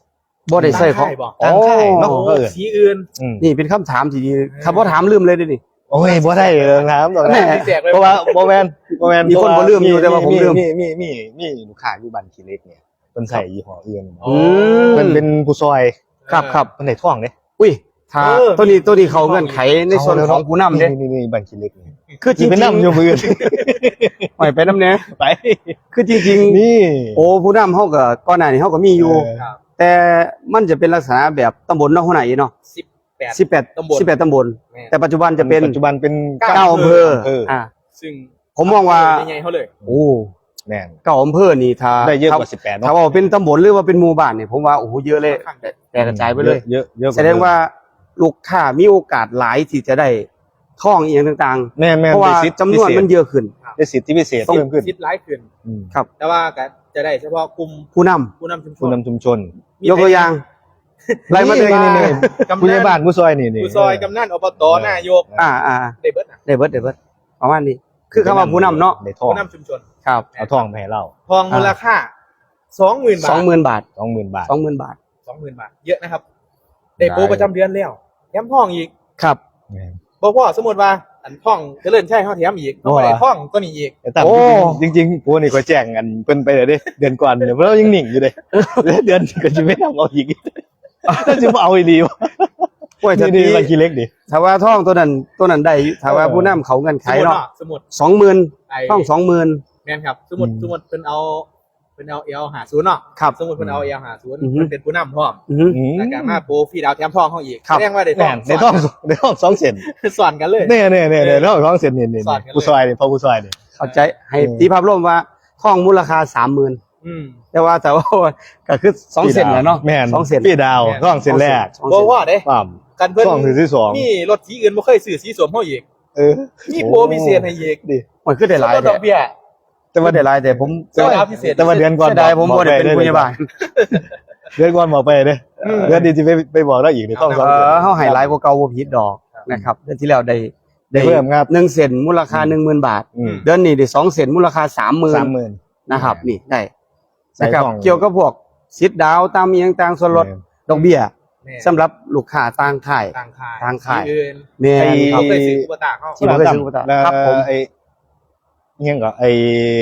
[SPEAKER 1] บ่ได้ใส่ของ
[SPEAKER 3] ตั้งค่ายบ่
[SPEAKER 2] ตั้งค่ายเนาะ
[SPEAKER 3] โอ้
[SPEAKER 2] เออ
[SPEAKER 3] สีอื่น
[SPEAKER 2] อืม
[SPEAKER 1] นี่เป็นคำถามที่ดีคำว่าถามลืมเลยเด้นี่
[SPEAKER 2] โอ้ยบ่ได้เรื่องน้ำตรง
[SPEAKER 1] แห
[SPEAKER 2] นั้น
[SPEAKER 1] ม่
[SPEAKER 3] แจกเลย
[SPEAKER 2] เพราะว่าบ่แม่นบ่แม่น
[SPEAKER 1] มีคนบ่ลืมอยู่แต่ว่าผมลืม
[SPEAKER 2] มีมีมีมีลูกค้าอยู่บ้านขี้เหล็กเนี่ยเพิ่นใส่ยี่ห้ออื่น
[SPEAKER 3] อ๋อ
[SPEAKER 2] เพิ่นเป็นผู้ซอย
[SPEAKER 1] ครับครับ
[SPEAKER 2] เพิ่นได้ท่องเด้
[SPEAKER 1] อุ้ยถ้า
[SPEAKER 3] เออ
[SPEAKER 1] ตัวนี้ตัวนี้เขาเงื่อนไขในส่วนของผู้นำเด้
[SPEAKER 2] นี่นี่บ้านขี้เหล็กนี่
[SPEAKER 1] คือจริ
[SPEAKER 2] สิ
[SPEAKER 1] ง
[SPEAKER 2] ไป
[SPEAKER 1] ๆ
[SPEAKER 2] นำอยู่มื้อ
[SPEAKER 1] ปล่อยไปน้ำเนี้ย
[SPEAKER 2] ไป
[SPEAKER 1] คือจริง
[SPEAKER 2] นี่
[SPEAKER 1] ๆ โอ้ผู้นำเขาก็ก่อนหน้านี้เขาก็มีอยู่
[SPEAKER 2] เออ
[SPEAKER 3] ครับ
[SPEAKER 1] แต่มันจะเป็นลักษณะแบบตำบลเนาะหัวหน้าอีเนาะ
[SPEAKER 3] สิบแปด
[SPEAKER 1] สิบแปด
[SPEAKER 3] ตำบล
[SPEAKER 1] สิบแปดตำบล
[SPEAKER 3] แม่
[SPEAKER 1] แต่ปัจจุบันจะเป็น
[SPEAKER 2] ปัจจุบันเป็น
[SPEAKER 3] เก้า
[SPEAKER 1] เก้าอำเภอ
[SPEAKER 2] เอออ่
[SPEAKER 1] อ่า
[SPEAKER 3] ซึ่ง
[SPEAKER 1] ผมมองว่า
[SPEAKER 3] ยังไงเขาเลย
[SPEAKER 1] โอ้
[SPEAKER 2] แม่น
[SPEAKER 1] เก้าอำเภอนี่ถ้า
[SPEAKER 2] ได้เยอะกว่า
[SPEAKER 1] ถ้
[SPEAKER 2] สิบแปด
[SPEAKER 1] ถ้า
[SPEAKER 2] เนาะ
[SPEAKER 1] ว่าเป็นตำบลหรือว่าเป็นหมู่บ้านเนี่ยผมว่าโอ้โหเยอะเลยแต่แต่กระจายไปเลย
[SPEAKER 2] เยอะเยอะก
[SPEAKER 1] แสดงว่าลูกค้ามีโอกาสหลายที่จะได้ท่องอีกอย่างต่าง
[SPEAKER 2] แม่น
[SPEAKER 1] ๆ
[SPEAKER 2] แม่น
[SPEAKER 1] เพราะว่า
[SPEAKER 2] ได้สิทธิ์
[SPEAKER 1] จำนวนมันเยอะขึ้น
[SPEAKER 2] ได้สิทธิพิเศษ
[SPEAKER 1] ต้อง
[SPEAKER 2] เพิ่มขึ้น
[SPEAKER 3] คิดร้ายขึ้น
[SPEAKER 2] อืม
[SPEAKER 1] ครับ
[SPEAKER 3] แต่ว่าก็จะได้เฉพาะกลุ่ม
[SPEAKER 1] ผู้นำ
[SPEAKER 3] ผู้นำชุมช
[SPEAKER 2] ผู้
[SPEAKER 3] น
[SPEAKER 2] นำชุมชน
[SPEAKER 3] มี
[SPEAKER 1] ยกตัวอย่างไล่มาเลย
[SPEAKER 2] นี่นี่
[SPEAKER 3] กำ
[SPEAKER 2] ผู้ใหญ่
[SPEAKER 3] นัน
[SPEAKER 2] บ้านผู้ซอยนี่นี่
[SPEAKER 3] ผู้ซอยกำนันอบตนายก
[SPEAKER 1] อ่าอ่า
[SPEAKER 3] ได้เบิดน่ะ
[SPEAKER 1] ได้เบิดได้เบิดประมาณนี้ คือคำว่าผู้นำเนาะ
[SPEAKER 2] ได้ทอง
[SPEAKER 3] ผู้นำชุมชน
[SPEAKER 1] ครับ
[SPEAKER 2] เอาทองมาให้เรา
[SPEAKER 3] ทองมูลค่าสองหมื่นบาท
[SPEAKER 1] สองหมื่นบาท
[SPEAKER 2] สองหมื่นบาท
[SPEAKER 1] สองหมื่นบาท
[SPEAKER 3] สองหมื่นบาท เยอะนะครับ ได้โปรประจำเดือนแล้วแถมทองอีก
[SPEAKER 1] ครับ
[SPEAKER 2] แม่น
[SPEAKER 3] บ่พ่อสมมติว่าอันท่องเจริญใช่เขาแถมอีกต้องไป
[SPEAKER 2] ว่า
[SPEAKER 3] ท่องก็นี่อีก
[SPEAKER 2] แต่ตาม
[SPEAKER 1] โอ้
[SPEAKER 2] จริงๆจริงๆปูนี่ก็แจ้งกันเพิ่นไปเลยเด้เดือนก่อนเนี่ยเพราะเรายังหนิ่งอยู่เลยแล้วเดือนก็จะไม่ทำเอาอีกถ้าจะเอาอีหลีวะ
[SPEAKER 1] โอ้ยถ้า
[SPEAKER 2] นี่
[SPEAKER 1] ตี
[SPEAKER 2] นี่บางทีเล็กดิ
[SPEAKER 1] ถ้าว่าท่องตัวนั้นตัวนั้นได้ถ้าว่าผู้นำเขาเงินไข
[SPEAKER 3] สมมุติ
[SPEAKER 1] เนาะ
[SPEAKER 3] เนาะสมมุติ
[SPEAKER 1] สองหมื่น
[SPEAKER 3] ไอ้
[SPEAKER 1] ท่องสองหมื่น
[SPEAKER 3] แม่นครับ สมมุติสมมุติเพิ่นเอาเพิ่นเอาเอลหาศูนย์เนาะ
[SPEAKER 1] ครับ
[SPEAKER 3] สมมุติเพิ่นเอาเอลหาศูนย์
[SPEAKER 1] อือฮึ
[SPEAKER 3] เพิ่นเป็นผู้นำพร้อม
[SPEAKER 1] อือหือ
[SPEAKER 2] อืม
[SPEAKER 3] แล้วก็มาโปรฟรีดาวแถมทองเขาอีก
[SPEAKER 1] ครับ
[SPEAKER 3] แสดงว่าได้ท
[SPEAKER 2] แม่
[SPEAKER 3] อง
[SPEAKER 2] นในท้องในท้องสองเซน
[SPEAKER 3] สอนกันเลย
[SPEAKER 2] เนี่ยเนี่ยเนี่ยในท้องสองเซนนี่นี่
[SPEAKER 3] สอนกันเลย
[SPEAKER 2] ผู้ซอยนี่พอผู้ซอยนี่
[SPEAKER 1] เข้าใจให้
[SPEAKER 2] อืม
[SPEAKER 1] ตีภาพรวมว่าท่องมูลค่าสามหมื่น
[SPEAKER 3] อืม
[SPEAKER 1] แต่ว่าแต่ว่าก็คือสองเซนแหละเนาะ
[SPEAKER 2] แม่น
[SPEAKER 1] สองเซน
[SPEAKER 2] พี่ดาว
[SPEAKER 3] แม่น
[SPEAKER 2] ท้องเซนแรก
[SPEAKER 1] สอง
[SPEAKER 3] บ่
[SPEAKER 1] เซน
[SPEAKER 3] ว่าเด้
[SPEAKER 2] ปั๊ม
[SPEAKER 3] กันเพิ่น
[SPEAKER 2] ท้องถึงที่สอง
[SPEAKER 3] มีรถสีอื่นบ่เคยซื้อสีสวมเฮาอีก
[SPEAKER 2] เออ
[SPEAKER 3] มีโปรพิเศษให้อีก
[SPEAKER 2] ดิ
[SPEAKER 1] มันคือได้หลาย
[SPEAKER 3] ด
[SPEAKER 1] แต่
[SPEAKER 3] อกเบี้ย
[SPEAKER 1] แต่ว่าได้หลายแต่ผม
[SPEAKER 3] เจ้าดาวพิเศษ
[SPEAKER 2] แต่ว่าเดือนก่อน
[SPEAKER 1] เสียดายผมบ่ได้เป็นผู้ใหญ่บ้าน
[SPEAKER 2] เดือนก่อนบอกไปเด้
[SPEAKER 3] อืม
[SPEAKER 2] เดือนนี้จะไปไปบอกได้อีกในท้องสอง
[SPEAKER 1] เอ
[SPEAKER 2] เซน
[SPEAKER 1] อเฮาให้หลายกว่าเก่าบ่ผิดดอกนะครับเดือนที่แล้วได้ได้
[SPEAKER 2] เพิ่มครับ
[SPEAKER 1] หนึ่งเซนมูลค่าหนึ่งหมื่นบาท
[SPEAKER 2] อืม
[SPEAKER 1] เดือนนี้ได้สองเซนมูลค่าสามหมื่น
[SPEAKER 2] สามหมื่น
[SPEAKER 1] นะครับนี่ได้
[SPEAKER 2] ใส่
[SPEAKER 1] นะครับ
[SPEAKER 2] ทอง
[SPEAKER 1] เกี่ยวกับพวกสิทธิ์ดาวตามอีหยังต่างส่วนลดดอกเบี้ย
[SPEAKER 3] แม่
[SPEAKER 1] สำหรับลูกค้าต่างค่าย
[SPEAKER 3] ต่างขาย
[SPEAKER 1] ต่างขาย
[SPEAKER 3] สีอื่น
[SPEAKER 1] แม่
[SPEAKER 2] ไอ้
[SPEAKER 1] นค
[SPEAKER 3] เขา
[SPEAKER 1] รับ
[SPEAKER 3] เคยซื้ออุปตะเขา
[SPEAKER 1] ที่บ่เคยซื้ออุปตะ
[SPEAKER 2] แล้ว
[SPEAKER 1] ครับผม
[SPEAKER 2] ไอ้ยังก็ไอ้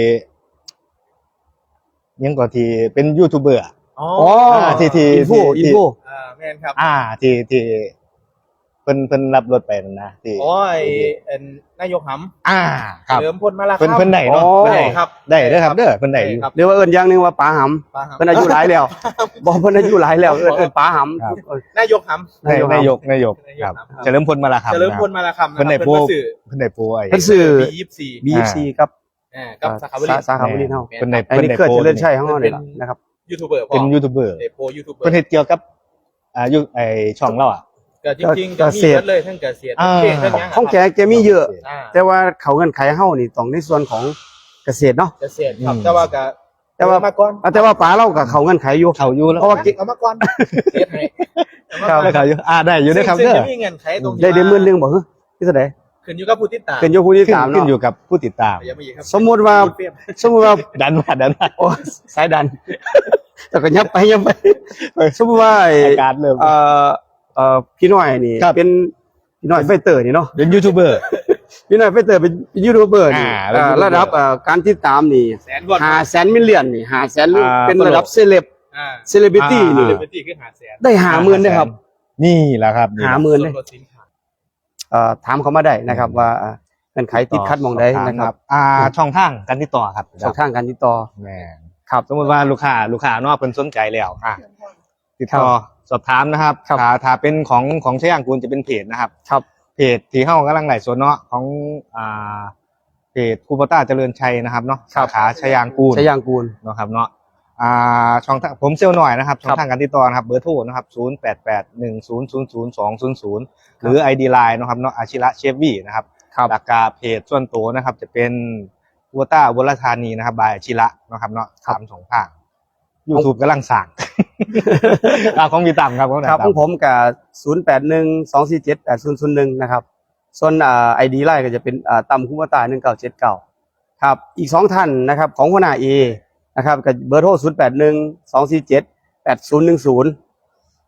[SPEAKER 2] ยังก็ที่เป็นยูทูบเบอร์อะ
[SPEAKER 3] อ๋อ
[SPEAKER 1] อ๋อ
[SPEAKER 2] ที่ที่
[SPEAKER 1] อินโฟ
[SPEAKER 2] ที่
[SPEAKER 1] อินโฟ
[SPEAKER 3] อ่าแม่นครับ
[SPEAKER 2] อ่า ที่ที่เพิ่นเพิ่นรับรถไปนั่นนะที่
[SPEAKER 3] โอ้ยเอ็นนายกหำ
[SPEAKER 2] อ่าครับ
[SPEAKER 3] เฉลิมพลมาลา
[SPEAKER 2] เพิ่นเพิ่นได้เนาะ
[SPEAKER 1] อ๋อ
[SPEAKER 2] เพิ่น
[SPEAKER 3] ได้
[SPEAKER 2] ได้
[SPEAKER 3] ครับ
[SPEAKER 2] ได้เด้อครับเด้อเพิ่นได้อยู่
[SPEAKER 3] ครับ
[SPEAKER 1] เรียกว่าเอิ้นอย่างหนึงว่าป๋าหำ
[SPEAKER 3] ปาหำ
[SPEAKER 1] เพิ่นอายุหลายแล้วบอกเพิ่นอายุหลายแล้วเอิ้นเอิ้นป๋าหำ
[SPEAKER 2] ครับ
[SPEAKER 1] เออน
[SPEAKER 3] ายกหำ
[SPEAKER 2] นายนายกนายก
[SPEAKER 3] นายก
[SPEAKER 2] ครับ
[SPEAKER 3] ครับ
[SPEAKER 2] เฉลิมพลมาลาครับ
[SPEAKER 3] เฉลิมพลมาลาคำ
[SPEAKER 2] เพิ่นได้
[SPEAKER 3] นะครับ
[SPEAKER 2] โปร
[SPEAKER 3] เพิ่นมาสื่อ
[SPEAKER 2] เพิ่นได้โปรไอ้
[SPEAKER 1] เพิ่นซื้อ
[SPEAKER 3] บียี่สิบสี่
[SPEAKER 1] บี เอฟ ซี ครับ
[SPEAKER 3] อ่ากับสาขาบริ
[SPEAKER 1] สาสาขาบริเฮา
[SPEAKER 2] เพิ่นได้
[SPEAKER 1] อัน
[SPEAKER 2] เพิ่น
[SPEAKER 1] นี้
[SPEAKER 2] ได้
[SPEAKER 1] เครือ
[SPEAKER 2] โปร
[SPEAKER 1] เจริญชัยของเฮานี่ล่ะนะครับ
[SPEAKER 3] ยูทูบเบอร์พ่อ
[SPEAKER 2] เป็นยูทูบเบอร์
[SPEAKER 3] ได้โปรยูทูบเบอ
[SPEAKER 2] เพิ่น
[SPEAKER 3] ร์
[SPEAKER 2] เฮ็ดเกี่ยวกับอ่าอยู่ไอ้ช่องเราอ่ะ
[SPEAKER 3] ก็จริงๆก็มี
[SPEAKER 1] เกษตร
[SPEAKER 3] เบิดเลยทั้งเกษตร
[SPEAKER 2] อ่า
[SPEAKER 3] ทั้งเพลงทั้งหยัง
[SPEAKER 1] ของแก
[SPEAKER 3] ะครับ
[SPEAKER 1] แกมีเยอะ
[SPEAKER 3] อ่า
[SPEAKER 1] แต่ว่าเขาเงินไขเฮานี่ต้องในส่วนของเกษตรเนาะ
[SPEAKER 3] เกษตรครับ
[SPEAKER 2] อืม
[SPEAKER 3] แต่ว่าก็
[SPEAKER 1] แต่ว่า
[SPEAKER 3] เอมาก่อน
[SPEAKER 1] อ่ะแต่ว่าป๋าเราก็เขาเงินไขอยู่
[SPEAKER 2] เขาอยู่แล้ว
[SPEAKER 1] เพราะว่า
[SPEAKER 3] เอามาก่อนเฮ็ดให้เอามา
[SPEAKER 1] ครั
[SPEAKER 3] ก่อบ น
[SPEAKER 2] ได้เขาอยู่อ่าได้อยู่ได้อครับ
[SPEAKER 3] ซึ่ง
[SPEAKER 2] เด้อ
[SPEAKER 3] จะมีเงินไขตรงที่
[SPEAKER 1] ได้ได้หมื่นหนึง
[SPEAKER 3] ว่า
[SPEAKER 1] บ่ฮะที่เท่าใด
[SPEAKER 3] ขึ้นอยู่กับผู้ติดตาม
[SPEAKER 1] เป็นอยู่ผู้ที่
[SPEAKER 2] ขึ้น
[SPEAKER 1] ตาม
[SPEAKER 2] ขึ้น
[SPEAKER 1] เนาะ
[SPEAKER 2] อยู่กับผู้ติดตาม
[SPEAKER 3] อย่ามาอีกครับ
[SPEAKER 1] สมมุติว่า
[SPEAKER 3] พูดเปรี้ยว
[SPEAKER 1] สมมุติว่า
[SPEAKER 2] ดันมาดันมา
[SPEAKER 1] โอ้สายดันแต่ก็ยับไปยับไปสมมุติว่าไอ้
[SPEAKER 2] อาการเริ่ม
[SPEAKER 1] เอ่อเอ่อพี่น้อยนี่
[SPEAKER 2] ครับ
[SPEAKER 1] เป็นพี่น้อยไฟเตอร์นี่เนาะ
[SPEAKER 2] เป็นยูทูบเบอร์
[SPEAKER 1] พี่น้อยไฟเตอร์เป็นยูทูบเบอร์นี่
[SPEAKER 2] อ่า
[SPEAKER 1] เอ่อ
[SPEAKER 2] เป็นยูทูบเบอร์
[SPEAKER 1] ระดับเอ่อการติดตามนี่
[SPEAKER 3] แสนกว่า
[SPEAKER 1] ห้าแสนมิลเลียนนี่ห้าแสน
[SPEAKER 2] อ่า
[SPEAKER 1] เป็นระดับเซเลบ
[SPEAKER 3] อ่า
[SPEAKER 1] เซเลบริตี้
[SPEAKER 2] อ่า
[SPEAKER 1] นี่
[SPEAKER 3] เป็นที่ขึ้นหาแสน
[SPEAKER 1] ได้ห้าหมื่นนะครับ
[SPEAKER 2] นี่แหละครับนี่
[SPEAKER 1] หาหมื่นเลย
[SPEAKER 3] ส่วลดสินค้า
[SPEAKER 1] เอ่อถามเขามาได้นะครับว่าเอ่อเงื่อนไขติดขัดหมองใดนะครับ
[SPEAKER 2] อ่าช่องทางการติดต่อครับ
[SPEAKER 1] ช่องทางการติดต่อ
[SPEAKER 2] แม่น
[SPEAKER 1] ครับ
[SPEAKER 2] สมมติว่าลูกค้าลูกค้านอกเพิ่นสนใจแล้วอ่ะติด
[SPEAKER 1] ครั
[SPEAKER 2] ต่อบ สอบถามนะครับ
[SPEAKER 1] ครับ
[SPEAKER 2] ถ้าถ้าเป็นของของชยางกูลจะเป็นเพจนะครับ
[SPEAKER 1] ครับ
[SPEAKER 2] เพจที่เฮากำลังไลฟ์สดเนาะของอ่าเพจคูปต้าเจริญชัยนะครับเนาะ
[SPEAKER 1] ครั
[SPEAKER 2] สา
[SPEAKER 1] บ
[SPEAKER 2] ขาชยางกูล
[SPEAKER 1] ชยางกูล
[SPEAKER 2] เนาะครับเนาะอ่าช่องทางผมเซลล์หน่อยนะครับ
[SPEAKER 1] ค
[SPEAKER 2] ช่
[SPEAKER 1] รั
[SPEAKER 2] อบ งทางการติดต่อนะครับเบอร์โทรนะครับศูนย์ แปด แปด หนึ่ง ศูนย์ ศูนย์ ศูนย์ สอง ศูนย์ ศูนย์หรือ ไอ ดี Line นะครับเนาะอาชิระเชฟวี่นะครับ
[SPEAKER 1] ครับ
[SPEAKER 2] หลักการเพจส่วนตัวนะครับ จะเป็นวัวต้าวัลธานีนะครับบายอาชิระนะครับเนาะสามสองภาคยูทูบกำลังสั่ง อ่าของมีต่ำครับของ
[SPEAKER 1] ครับข
[SPEAKER 2] ต่ำ
[SPEAKER 1] องผมกับศูนย์แปดหนึ่งสองสี่เจ็ดแปดศูนย์ศูนย์หนึ่งนะครับ ส่วนอ่าไอดีไลน์ก็จะเป็นอ่าตำคุ้มตาหนึ่งเก้าเจ็ดเก้าครับ อีกสองท่านนะครับ ของหัวหน้าเอนะครับกับเบอร์โทรศูนย์แปดหนึ่งสองสี่เจ็ดแปดศูนย์หนึ่งศูนย์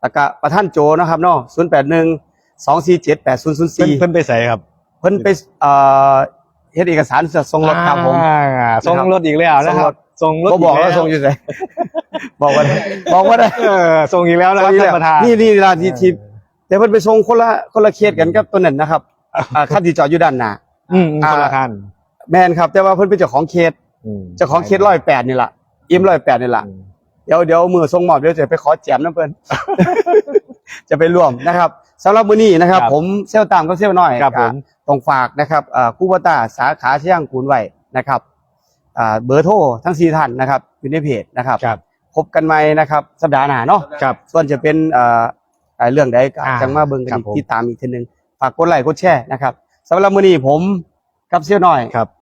[SPEAKER 1] แล้วก็ประธานโจนะครับเนาะศูนย์แปดหนึ่งสองสี่เจ็ดแปดศูนย์ศูนย์
[SPEAKER 2] เพิ่น
[SPEAKER 1] สี่
[SPEAKER 2] เพิ่นไปใส่ครับ
[SPEAKER 1] เพิ่นไปเอ่อเฮ็ดเอกสารจะส่งรถครับผม
[SPEAKER 2] อ่าส่งรถอีกแล้วนะครับส่งรถ
[SPEAKER 1] ก็บอกแล้วส่งอยู่ไสบอกว่าได้บอกว่าได้
[SPEAKER 2] เออส่งอีกแล้วนะครับท่านประธาน
[SPEAKER 1] นี่นี่ร้านที่ที่แต่เพิ่นไปส่งคนละคนละเขตกันกับตัวนั้นนะครับอ่าคันที่จอดอยู่ด้านหน้า
[SPEAKER 2] อืมคนละคัน
[SPEAKER 1] แม่นครับแต่ว่าเพิ่นเป็นเจ้าของเขต
[SPEAKER 2] อืม
[SPEAKER 1] เจ้าของเขตร้อยแปดนี่ล่ะอิ่มร้อยแปดนี่ล่ะ
[SPEAKER 2] อืม
[SPEAKER 1] เดี๋ยวเดี๋ยวมือส่งมอบเดี๋ยวจะไปขอแจมน้ำเพิ่น จะไปร่วมนะครับสำหรับมื้อนี้นะครับ
[SPEAKER 2] ครับ
[SPEAKER 1] ผมเซลลตามกับเซลลน้อย
[SPEAKER 2] ครับผม
[SPEAKER 1] ต้องฝากนะครับอ่าคูบตาสาขาเชียงกูนไว้นะครับอ่าเบอร์โทรทั้งสี่ท่านนะครับอยู่ในเพจนะครับ
[SPEAKER 2] ครับ
[SPEAKER 1] พบกันใหม่นะครับสัปดาห์หน้าเนาะ
[SPEAKER 2] ครับ
[SPEAKER 1] ส่วนจะเป็นเอ่อเอ่อเรื่องใดก็
[SPEAKER 2] อ่า
[SPEAKER 1] จังมาเบิ่งกัน
[SPEAKER 2] ครับ
[SPEAKER 1] อีก
[SPEAKER 2] ผม
[SPEAKER 1] ติดตามอีกทีหนึงฝากกดไลค์กดแชร์นะครับสำหรับมื้อนี้ผมกับเซียวน้อย
[SPEAKER 2] ครับ